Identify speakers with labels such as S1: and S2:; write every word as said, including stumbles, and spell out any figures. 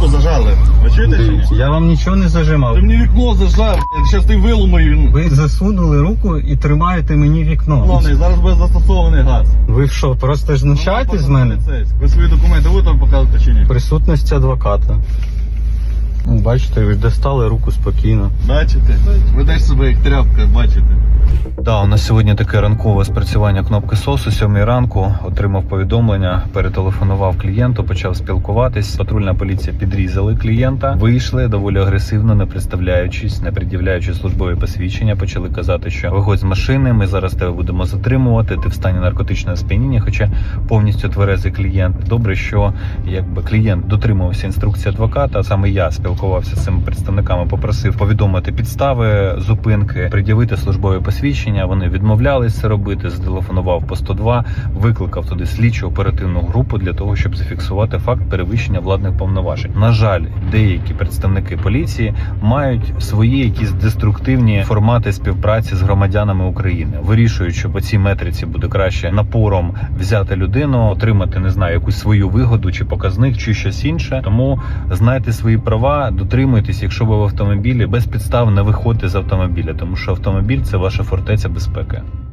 S1: зажали. Ви чуєте чи ні?
S2: Дивіться, я вам нічого не зажимав.
S1: Ти мені вікно зажав, блядь, щас ти виломаю.
S2: Ви засунули руку і тримаєте мені вікно.
S1: Головне, зараз буде застосований газ.
S2: Ви що, просто знущаєтесь з мене?
S1: Ви свої документи будете вам показувати чи ні?
S2: Присутність адвоката. Ну, бачите, ви достали руку спокійно.
S1: Бачите? Ведеш себе як тряпка, бачите?
S2: Да, у нас сьогодні таке ранкове спрацювання кнопки СОС о сьомій ранку. Отримав повідомлення, перетелефонував клієнту, почав спілкуватись. Патрульна поліція підрізали клієнта. Вийшли доволі агресивно, не представляючись, не пред'являючи службові посвідчення. Почали казати, що виходь з машини, ми зараз тебе будемо затримувати, ти в стані наркотичного сп'яніння, хоча повністю тверезий клієнт. Добре, що якби клієнт дотримувався інструкції адвоката, а саме я спілкувався з цими представниками, попросив повідомити підстави зупинки, пред'явити службові посвідчення. Вони відмовлялись це робити, зателефонував по сто два, викликав туди слідчу оперативну групу для того, щоб зафіксувати факт перевищення владних повноважень. На жаль, деякі представники поліції мають свої якісь деструктивні формати співпраці з громадянами України. Вирішують, що по цій метриці буде краще напором взяти людину, отримати, не знаю, якусь свою вигоду чи показник, чи щось інше. Тому знайте свої права, дотримуйтесь, якщо ви в автомобілі, без підстав не виходьте з автомобіля, тому що автомобіль – це ваша фортеця безпеки.